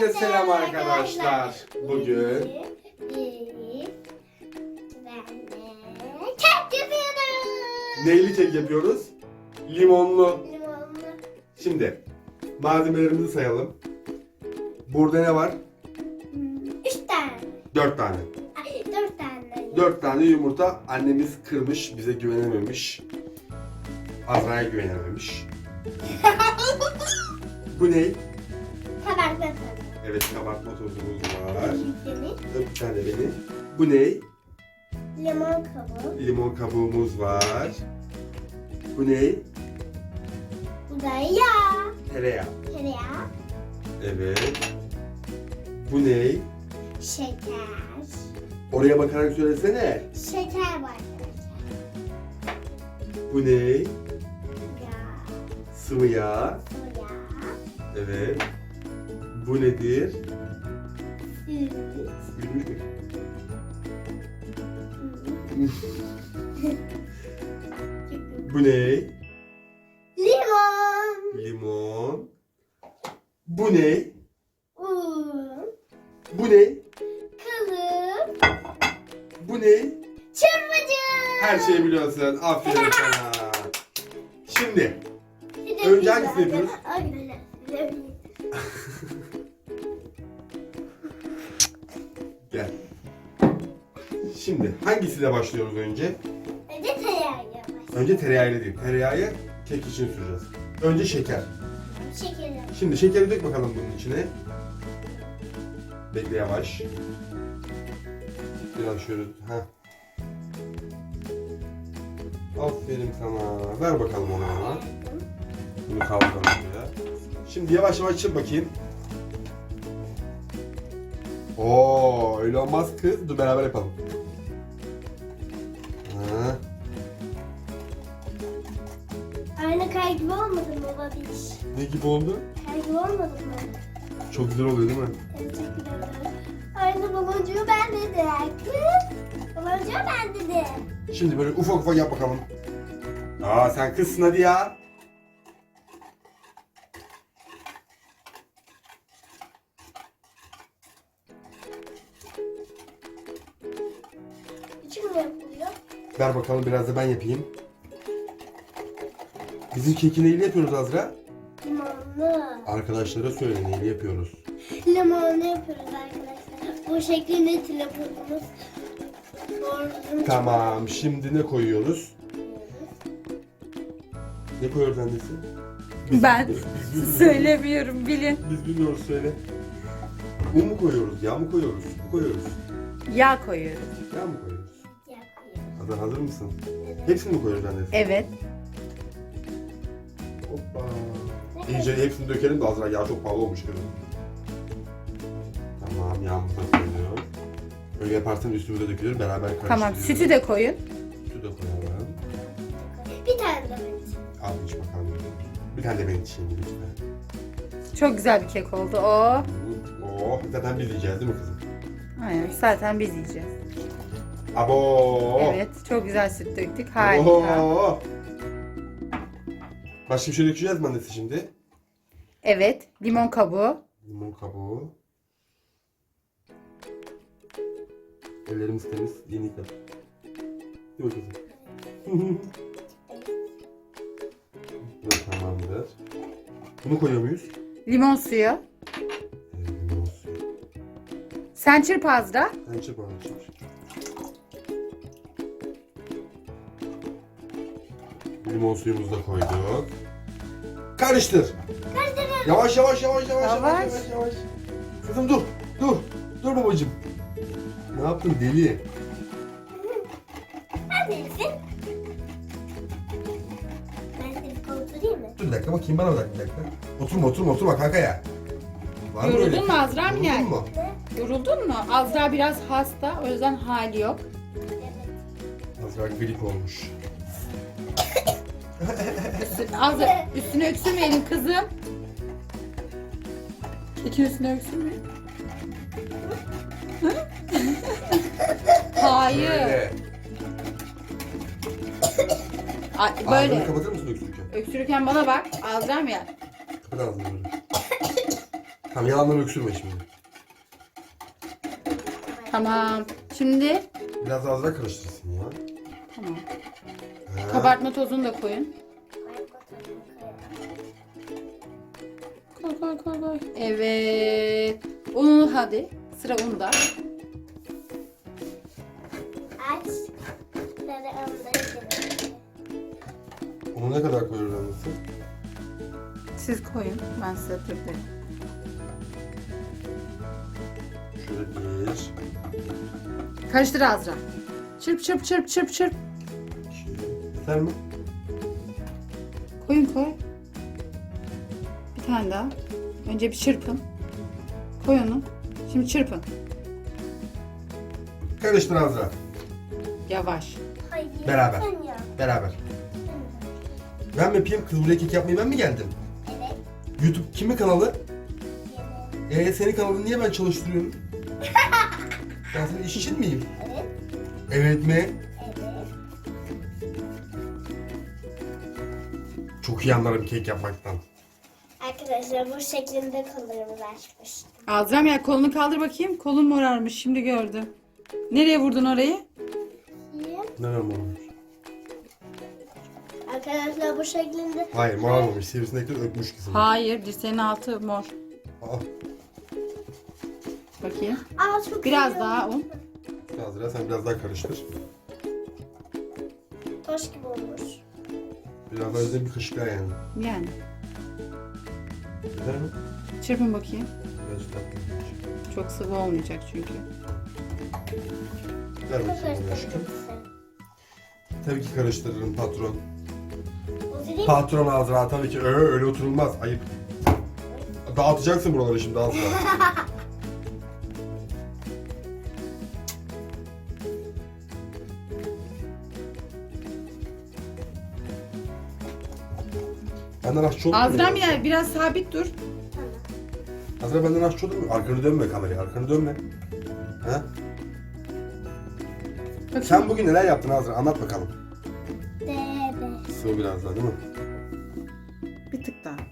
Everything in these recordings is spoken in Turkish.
Hepinize selam arkadaşlar. Bugün kek yapıyoruz. neyli kek yapıyoruz? Limonlu. Limonlu. Şimdi malzemelerimizi sayalım. Burada ne var? 3 tane. 4 tane. Ay, 4 tane. 4 tane yumurta annemiz kırmış, bize güvenememiş. Azra'ya güvenememiş. Bu ne? Kabartma tozu. Evet, kabartma tozumuz var. Benim. Bir tane benim. Bu ne? Limon kabuğu. Limon kabuğumuz var. Bu ne? Bu da yağ. Tereyağı. Tereyağı. Evet. Bu ne? Şeker. Oraya bakarak söylesene. Şeker var arkadaşlar. Bu ne? Yağ. Sıvı yağ. Bu yağ. Evet. Bu nedir? Süt. Gülmüş mü? Bu ne? Limon. Limon. Bu ne? Un. Bu ne? Kılıf. Bu ne? Çırpıcı. Her şeyi biliyorsun. Aferin sana. Şimdi Bir de önce biz hangisini var. yapıyoruz? Ay, Gel. Şimdi hangisiyle başlıyoruz önce? önce tereyağı yapacağız. Önce tereyağıyla değil. Tereyağı kek için süreceğiz. Önce şeker. Şekeri. Şimdi şekeri dök bakalım bunun içine. Bekle yavaş. Biraz şöyle. Heh. Aferin sana. Ver bakalım onu bana. Bunu kaldıralım buraya. Şimdi yavaş yavaş çırp bakayım. Oo, öyle olmaz kız. Dur beraber yapalım. Ha. Aynı kay gibi olmadı mı babiş? Ne gibi oldu? Kay gibi olmadı mı? Çok güzel oluyor değil mi? Evet, çok güzel oldu. Aynı baloncuğu ben dedim. Kız. Baloncuğu ben dedim. Şimdi böyle ufak ufak yap bakalım. Aa, sen kızsın hadi ya. Küçük mü yapılıyor? Ver bakalım, biraz da ben yapayım. Bizim keki neyle yapıyoruz Azra? Limonlu. Arkadaşlara söyle, neyle yapıyoruz? Limonlu yapıyoruz arkadaşlar. Bu şeklinde telefonumuz. Doğru. Tamam, şimdi ne koyuyoruz? Ne koyuyoruz annesi? Ben bilmiyoruz. söylemiyorum, bilin. Biz bilmiyoruz, söyle. Un mu koyuyoruz, yağ mı koyuyoruz? Su koyuyoruz. Yağ koyuyoruz. Yağ mı koyuyoruz? Yapıyoruz. Azra hazır mısın? Evet. Hepsini mi koyuyoruz annesi? Evet. Hoppa. İyice hepsini dökelim de Azra, yağ çok pahalı olmuş kızım. Tamam, yağımızı da koyuyoruz. Öyle yaparsan üstümüze dökülür, beraber karıştırıyoruz. Tamam, sütü de koyun. Sütü de koyalım. Bir tane de ben. Al iç bakalım. Bir tane de ben içeyim lütfen. Çok güzel bir kek oldu o. Oh, zaten biz yiyeceğiz değil mi kızım? Aynen, zaten biz yiyeceğiz. Abo. Evet, çok güzel süt döktük. Harika. Oo. Başka bir şey dökeceğiz mi annesi şimdi? Evet, limon kabuğu. Limon kabuğu. Ellerimiz temiz, yeni yıkadık. Değil mi kızım? Bu tamamdır. Bunu koyuyor muyuz? Limon suyu. Limon suyu. Sen çırp Azra. Sen çırp bana çırp. Limon suyumuzu da koyduk. Karıştır. Yavaş yavaş yavaş yavaş yavaş Yavaş. yavaş yavaş. Kızım dur. Dur. Dur babacığım. Ne yaptın deli? Ben neresin? Ben seni oturayım mı? Dur bir dakika bakayım, bana bak bir dakika. Oturma kanka ya. Var mı öyle? Yoruldun mu Azra'm Yoruldun yani? mu? Ne? Yoruldun mu? Azra biraz hasta, o yüzden hali yok. Evet. Azra grip olmuş. Azra, üstüne öksürmeyelim kızım. Kekin üstüne öksürmeyelim. Hayır. Böyle. Ay, Ağzını böyle. kapatır mısın öksürürken? Öksürürken bana bak. Azra'm ya. Kapat ağzını böyle. Tamam yalandan öksürme şimdi. Tamam. Şimdi Biraz Azra karıştırsın ya. tamam. Ha. Kabartma tozunu da koyun. Koy. Evet. Unu hadi. Sıra unda. Aç. Böyle onları Onu ne kadar koyuyoruz annesi? Siz koyun. Ben size tırtayım. Şöyle bir. Karıştır Azra. Çırp. Yeter mi? Koy. Bir tane daha. Önce bir çırpın. Koy onu. Şimdi çırpın. Karıştır Azra. Yavaş. Hayır. Beraber. Sen yap. Beraber. Ben mi yapayım? Kız buraya kek yapmayı ben mi geldim? Evet. YouTube kimin kanalı? Evet. Senin kanalını niye ben çalıştırıyorum? Ben senin iş için miyim? Evet. Evet mi? Evet. Çok iyi anlarım kek yapmaktan. Arkadaşlar bu şeklinde kollarımızı açmıştım. Azra'm ya kolunu kaldır bakayım. Kolun morarmış. Şimdi gördüm. Nereye vurdun orayı? Nerem olmuş? Arkadaşlar bu şeklinde Hayır morarmamış. Sivrisinekler öpmüş kızım. Hayır. Dirseğin altı mor. Aa, Bakayım. çok Biraz iyi daha oldu. un. Azra sen biraz daha karıştır. Taş gibi olmuş. Biraz daha üzerine bir kaşık daha yani. Yani. Güzel mi? Çırpın bakayım. Biraz daha. Çok sıvı olmayacak çünkü. Ver Çok bakayım onu aşkım. karıştırmışsın. Tabii ki karıştırırım patron. O zili Patron Azra tabii ki öyle oturulmaz. Ayıp. Dağıtacaksın buraları şimdi Azra. Benden aşçı olur mu? Azra'm ya biraz sabit dur. tamam. Azra benden aşçı olur mu? Arkanı dönme kameraya, arkanı dönme. Ha? Bakayım. Sen bugün neler yaptın Azra? Anlat bakalım. Debe. Sıvı biraz daha değil mi? Bir tık daha.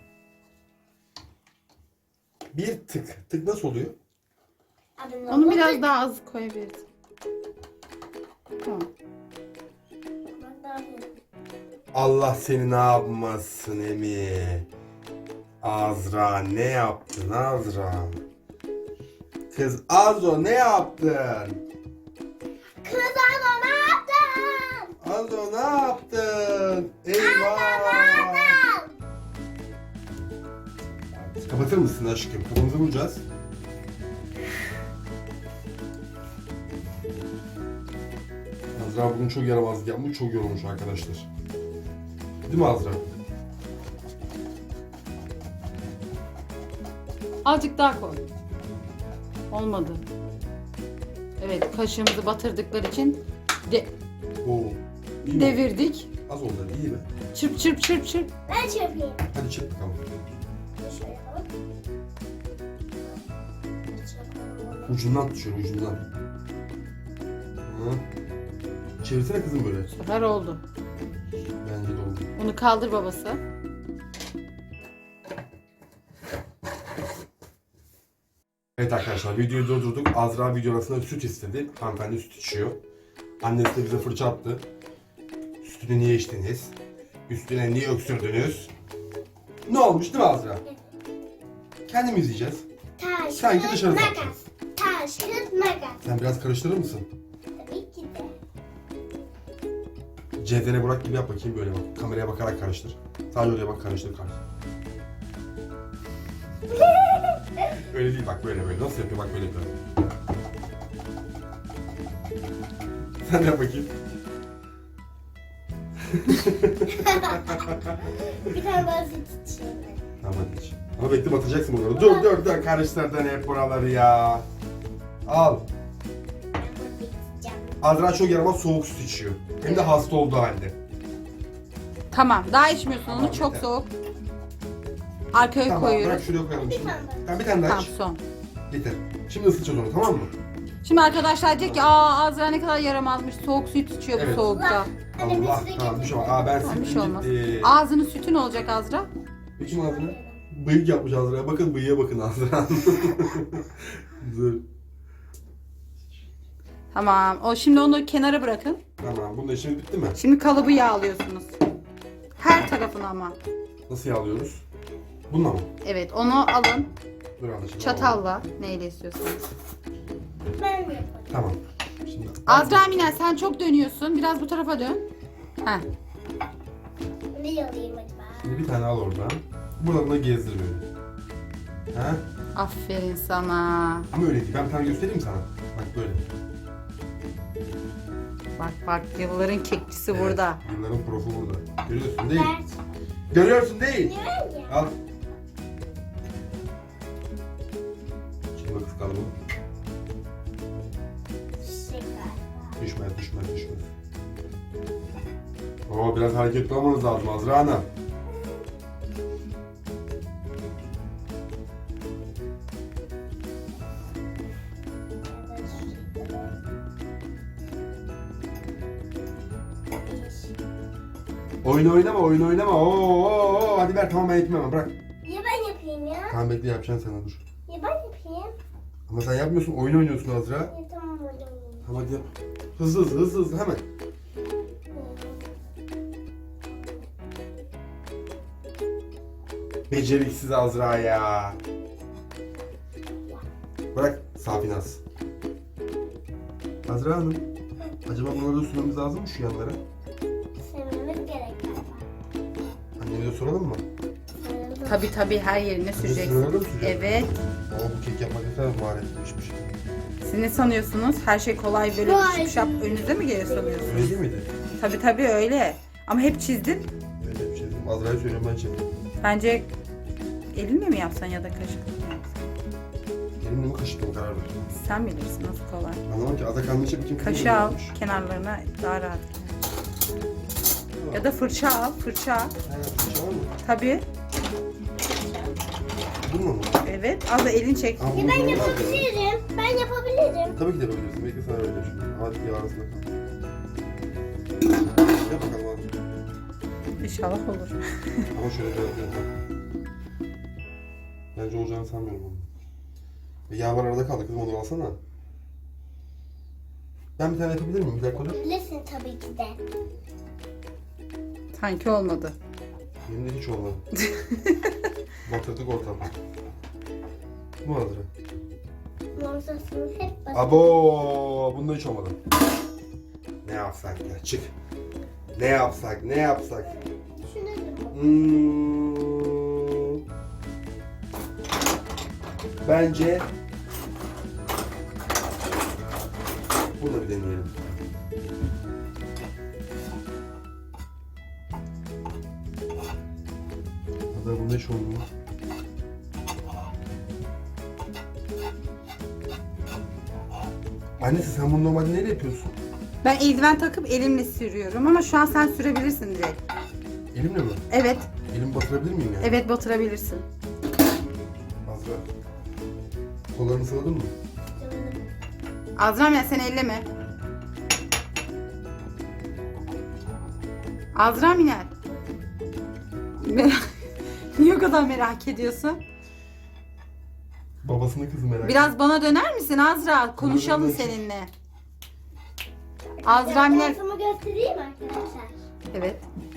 Bir tık. Tık nasıl oluyor? Onu biraz daha az koyabiliriz. Tamam. Allah seni ne yapmasın Emi. Azra ne yaptın Azra? Kız Azo ne yaptın? Kız Azra ne yaptın? Azo ne yaptın? Eyvah! Kapatır mısın aşkım? Kapımızı vuracağız. Azra bugün çok yaramazlık yapmış, çok yorulmuş arkadaşlar. Değil mi Azra? Azıcık daha koy. Olmadı. Evet, kaşığımızı batırdıkları için Oo. İyi mi? devirdik. Az oldu, iyi mi? Çırp. Ben çöpeyim. Hadi çırp bakalım. Şöyle yapalım. Ucundan tut şöyle, ucundan. Hı. Çevirsene kızım böyle. Bu sefer oldu. Bence de oldu. Onu kaldır babası. Evet arkadaşlar videoyu durdurduk. Azra video arasında süt istedi. Hanımefendi süt içiyor. Annesi de bize fırça attı. Sütünü niye içtiniz? Üstüne niye öksürdünüz? Ne olmuş değil mi Azra? Kendimiz yiyeceğiz. Taş, Sanki kağıt, dışarı makas. satacağız. Taş, kağıt, makas. Sen biraz karıştırır mısın? Tabii ki de. Cevdene Burak gibi yap bakayım böyle bak. Kameraya bakarak karıştır. Sadece oraya bak karıştır. Öyle değil bak böyle. Nasıl yapıyor bak böyle yapıyor. Sen yap bakayım. Bir tane daha süt içeyim. Tamam hadi iç. Ama bekle batacaksın bunları. Dur karıştırdın hep buraları ya. Al. Ben bunu içeceğim. Azra çok yaramaz soğuk süt içiyor. Hem de hasta olduğu halde. Tamam, daha içmiyorsun Tamam, onu. Çok yeter. soğuk. Arkaya Tamam bırak koyuyoruz. şuraya koyalım şimdi. tane daha. Tamam bir tane daha Tamam, iç. son. Yeter. Şimdi ısıtacağız onu tamam mı? Şimdi arkadaşlar diyecek ki Azra ne kadar yaramazmış. Soğuk süt içiyor Evet. bu soğukta. Anne bir Allah süre tamam getir. düşün. Ben Tamam, bir şey sildim olmaz. gitti. Ağzının sütü ne olacak Azra? Bakayım ağzını. Bıyık yapmış Azra'ya. Bakın bıyığa bakın Azra. Dur. Tamam. Şimdi onu kenara bırakın. Tamam. Bunun işimiz bitti mi? Şimdi kalıbı yağlıyorsunuz. Her tarafını ama. Nasıl yağlıyoruz? Bununla mı? Evet, onu alın. Dur anlaşıldı. Çatalla. Neyle istiyorsanız. Ben mi yapayım? Tamam. Şimdi Azra Minel, sen çok dönüyorsun. Biraz bu tarafa dön. Heh. Ne alayım acaba? Şimdi bir tane al oradan. Buradan da gezdir böyle. Ha? Aferin sana. Ama öyle değil. Ben bir tane göstereyim sana. Bak böyle. Bak yılların kekçisi Evet, burada. Yılların profu burada. Görüyorsun değil mi? Ver. Görüyorsun değil. Ver ya. Al. Şimdi bak kalıbı. Şeker. Düşmez. Oo, biraz hareketli olmanız lazım Azra Hanım. Oyun oynama. Oo, hadi ver tamam ben yapayım hemen bırak. Ya ben yapayım ya. Tamam bekle yapacaksın sana dur. Ya ben yapayım. Ama sen yapmıyorsun oyun oynuyorsun Azra. Ya tamam hadi. Tamam hadi yap. Hızlı hemen. Beceriksiz Azra ya. Bırak Safinaz. Azra Hanım. Acaba bunları da sürmemiz lazım mı şu yanlara? Sevmemiz gerek galiba. Annemize soralım mı? Tabii her yerine süreceksin. Sürüyorlar mı sürüyor? Evet. Ama bu kek yapmak ne kadar maharetliymiş. Siz ne sanıyorsunuz? Her şey kolay böyle Vay. şıp önünüze mi geliyor sanıyorsunuz? Öyle değil miydi? Tabii öyle. Ama hep çizdin. Öyle bir şey dedim. Azra'ya söylüyorum ben çektim. Bence elinle mi yapsan ya da kaşıkla mı yapsan? Elimle mi kaşıkla karar verdim. Sen bilirsin nasıl kolay. Anlamam ki ada kalmış bakayım. Kaşığı al kenarlarına daha rahat. Ya da fırça al. Fırça. Ha, fırça var mı? Tabii. Bununla mı? Evet. Az da elin çek. Aa, Ya bunu ben zorlar mı? yapabilirim. Ben yapabilirim. Tabii ki de yapabilirsin. Bekle sana öyle şimdi. Hadi ya arasında kal. Yap bakalım hadi. İnşallah olur. Ama şöyle bir yapalım. Bence olacağını sanmıyorum onu. Yağ var arada kaldı kızım onu alsana. Ben bir tane yapabilir miyim? Bir dakika dur. Bilirsin tabii ki de. Sanki olmadı. Benim de hiç olmadı. Batırdık ortamı. Bu hazır. Morsasını hep basın. Abo, bunda hiç olmadı. Ne yapsak ya? Çık. Ne yapsak? Düşünelim. Bence bunu da bir deneyelim. Hatta bunda hiç olmuyor. Annesi sen bunu normalde neyle yapıyorsun? Ben eldiven takıp elimle sürüyorum ama şu an sen sürebilirsin direkt. Elimle mi? Evet. Elimi batırabilir miyim yani? Evet batırabilirsin. Azra. Kollarını sıvadın mı? Azra'm ya sen elleme. Azra Minel. Niye o kadar merak ediyorsun? Babasının kızı merak Biraz bana döner misin Azra? Konuşalım Döner. seninle. Azra Minel. Morsamı göstereyim arkadaşlar. Evet.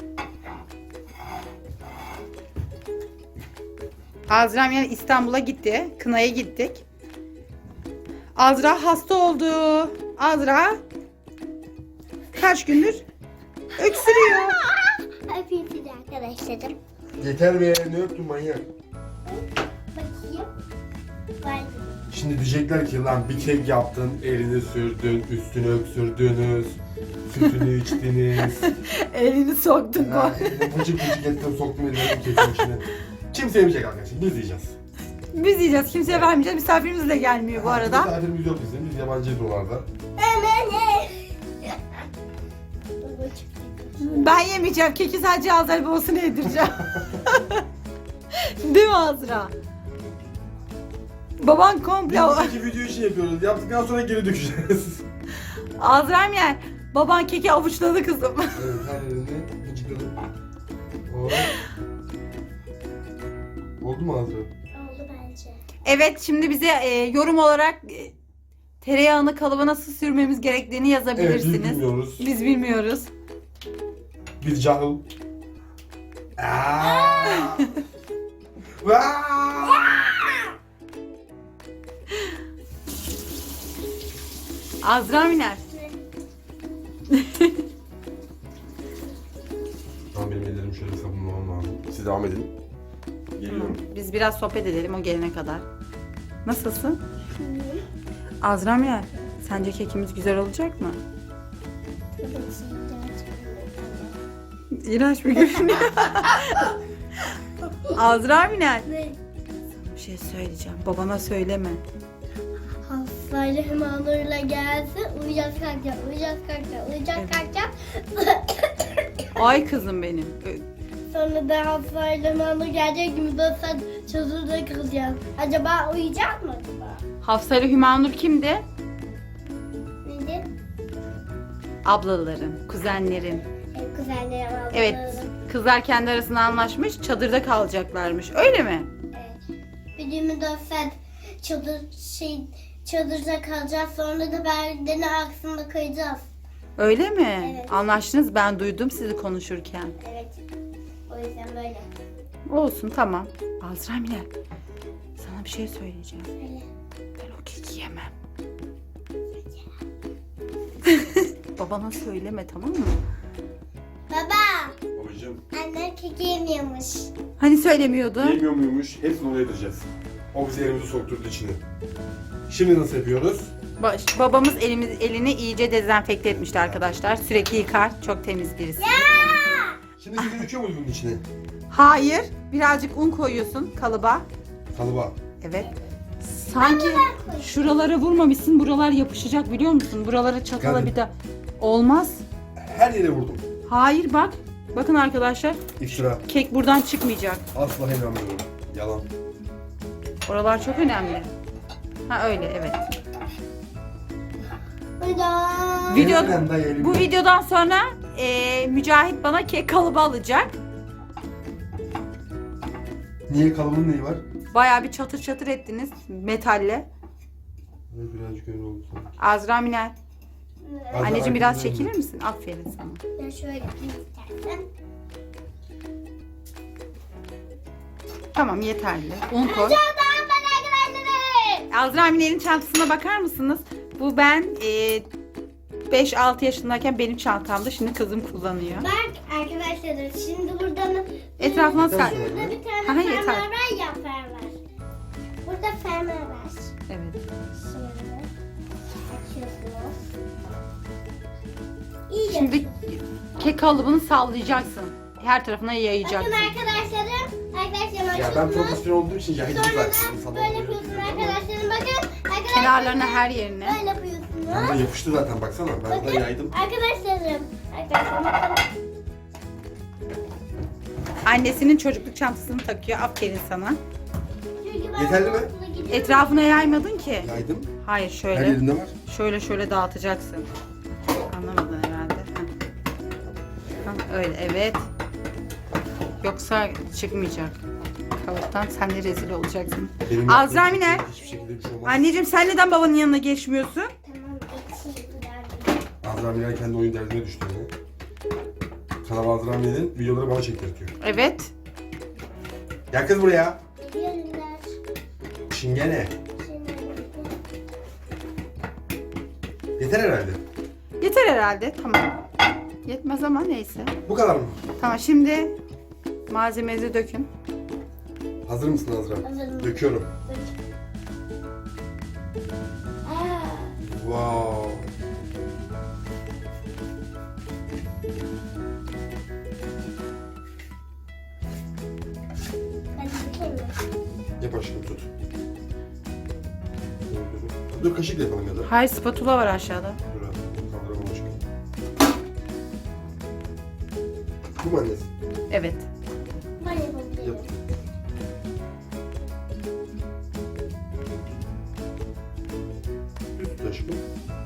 Azra Minel İstanbul'a gitti. Kına'ya gittik. Azra hasta oldu. Azra kaç gündür öksürüyor. Öpeyim sizi arkadaşlarım. Yeter be, ne öptün manyak? Bakayım. Var. Şimdi diyecekler ki lan bir kek yaptın, elini sürdün, üstünü öksürdünüz, sütünü içtiniz. Elini soktun. Bıcık ettim, soktum elimi kekin içine. Kimse yemeyecek arkadaşlar, biz yiyeceğiz. Biz yiyeceğiz. Kimseye vermeyeceğiz. Misafirimiz de gelmiyor bu arada. Misafirimiz yok bizim, biz yabancıyız oralarda. Ben yemeyeceğim. Keki sadece Azra babasına yedireceğim. Değil mi Azra? Baban komple... Biz buradaki video için yapıyoruz, yaptıktan sonra geri dökeceğiz. Azra'm yer. Baban keki avuçladı kızım. Evet, her yerini bıcıkladım. Oldu mu Azra? Oldu bence. Evet, şimdi bize yorum olarak tereyağını kalıba nasıl sürmemiz gerektiğini Evet, yazabilirsiniz. biz bilmiyoruz. Biz bilmiyoruz. Biz cahil. Aa! Vaa! Azra Miner. Tamam, benim ellerim şöyle sabunlamam lazım. Siz devam edin. Geliyorum. Biz biraz sohbet edelim o gelene kadar. Nasılsın? Azra Miner, sence kekimiz güzel olacak mı? İğrenç bir görünüyor. Azra Miner, Ne? bir şey söyleyeceğim. Babana söyleme. Hastayla Himanur'la gelse uyuyacağız kalkacağız, uyuyacağız kalkacağız, uyuyacağız Evet. kalkacağız. Ay kızım benim. Sonra da hastayla Himanur gelecek gibi de sen çadırda kalacağız. Acaba uyuyacak mı acaba? Hafsa ile Hümanur kimdi? Neydi? Ablaların, kuzenlerin. Kuzenlerim aldı. Evet, kızlar kendi arasında anlaşmış, çadırda kalacaklarmış. Öyle mi? Evet. Bir 24 saat çadırda kalacağız. Sonra da berdeni aksında kayacağız. Öyle mi? Evet. Anlaştınız, ben duydum sizi konuşurken. Evet. O yüzden böyle. Olsun, tamam. Azra Miner, sana bir şey söyleyeceğim. Öyle. Ben o keki yemem. Babana söyleme, tamam mı? Baba, Babacığım, annem keki yemiyormuş. Hani söylemiyordun? yemiyor muymuş? Hepsini oraya yedireceğiz. O bizi elimizi sokturdu içine. Şimdi nasıl yapıyoruz? Babamız elini iyice dezenfekte etmişti arkadaşlar. Sürekli yıkar. Çok temiz birisi. Şimdi sizi döküyor muyuz bunun içine? Hayır. Birazcık un koyuyorsun kalıba. Kalıba. Evet. Sanki şuralara vurmamışsın. Buralar yapışacak biliyor musun? Buralara çatala Geldim. bir de. Olmaz. Her yere vurdum. Hayır bak. Bakın arkadaşlar. İftira. Kek buradan çıkmayacak. Asla inanmıyorum. Yalan. Oralar çok önemli. Ha öyle evet. Hadi. Video, Elimden dayı, elimden. bu videodan sonra Mücahit bana kek kalıbı alacak. Niye, kalıbının neyi var? Bayağı bir çatır çatır ettiniz metalle. Birazcık öyle oldu. Azra Miner. Azra, Anneciğim biraz arkamızda çekilir misin? Aferin sana. Ben şöyle yapayım istersen. Tamam yeterli. Un koy. Çok daha ben arkadaşlarım. Azra Miner'in çantasına bakar mısınız? Bu ben 5-6 yaşındayken benim çantamdı. Şimdi kızım kullanıyor. Bak arkadaşlarım şimdi buradan Etrafına Yeter sar. sonra. burada bir tane Aha, fermuar yeter. var ya fermuar. Burada fermuar var. Evet. Şöyle açıyorsunuz. İyi Şimdi yapıyorsunuz. kek kalıbını sallayacaksın. Her tarafına Bakın yayacaksın. arkadaşlarım. Arkadaşlarım Ya ben açıyorsunuz. profesyonel olduğum için ya hiç Sonra güzel. da böyle yapıyorsunuz arkadaşlarım. Bakın arkadaşlarım. Kenarlarına her yerine. Böyle yapıyorsunuz. Ben de yapıştı zaten, baksana. Ben de Bakın yaydım. arkadaşlarım. Arkadaşlarım bakın. Annesinin çocukluk çantasını takıyor. Aferin sana. Çünkü ben Yeterli mi? okula gidiyorum. Etrafına yaymadın ki. Yaydım. Hayır Her şöyle. yerinde var. Şöyle dağıtacaksın. Anlamadın herhalde. Öyle evet. Yoksa çıkmayacak. Kalıptan sen de rezil olacaksın. Benim Azra yaptığım Miner. Hiçbir şekilde bir şey olmaz. Anneciğim sen neden babanın yanına geçmiyorsun? Tamam geçeyim ileride. Azra Miner kendi oyun derdine düştü yine. Kanal Azra Miner'in videoları bana çektirtiyor. Evet. Gel kız buraya. Geliyorlar. Çingene. Şimdi Yeter herhalde. Yeter herhalde. Tamam. Yetmez ama neyse. Bu kadar mı? Tamam şimdi malzemenizi dökün. Hazır mısın Azra? Hazırım. Döküyorum. Aa, Wow. ben dökeyim mi? Yap aşkım, tut. Dur, kaşıkla yapalım ya da. Hayır spatula var aşağıda. Dur abi, kaldıramam aşkım. Bu mu annesi? Evet. Ben yapabilirim. Yap. Üst aşkım.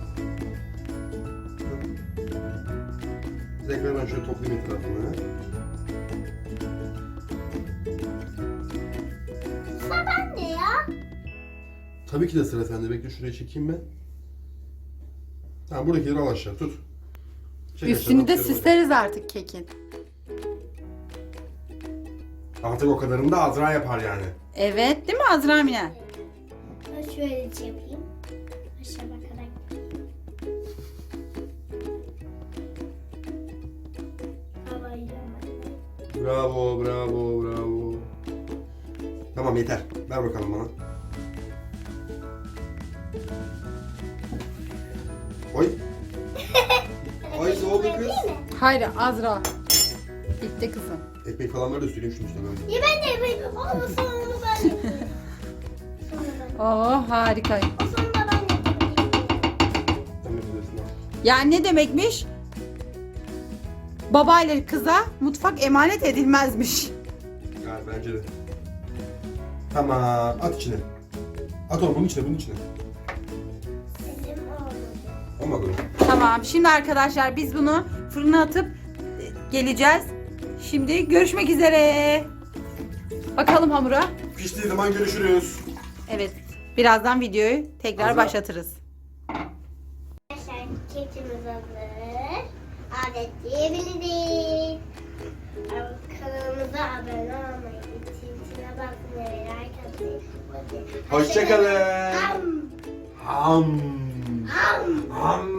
Tekrar ben şöyle toplayayım etrafını. Tabii ki de sıra sende. Bekle şuraya çekeyim ben. Tamam buradakileri al aşağı tut. Çek Üstünü de aşağıdan, süsleriz artık kekin. artık o kadarını da Azra yapar yani. Evet değil mi Azra Mine? Ben şöyle yapayım. Aşağı bakarak. Havayı Bravo, bravo, bravo. Tamam yeter. Ver bakalım bana. Oy. Ay ne oldu kız? Hayır Azra. Bitti kızım. Ekmek falan ver de süreyim şunu işte böyle. Ya ben de yapayım. Ama sonra ben yapayım. Sonra ben. Oh harika. O sonra ben yapayım. Sen de bilirsin ha. Yani ne demekmiş? Babayla kıza mutfak emanet edilmezmiş. Ya bence de. Tamam at içine. At onu bunun içine bunun içine. Elim olmadı. Olmadı mı? Tamam şimdi arkadaşlar biz bunu fırına atıp geleceğiz. Şimdi görüşmek üzere. Bakalım hamura. Piştiği zaman görüşürüz. Evet birazdan videoyu tekrar Azra. başlatırız. Arkadaşlar kekimiz hazır. Adet diyebiliriz. Kanalımıza abone olmayı, çintine basmayı, like atmayı. Hoşça kalın. Ham. Ham. Ham. Ham.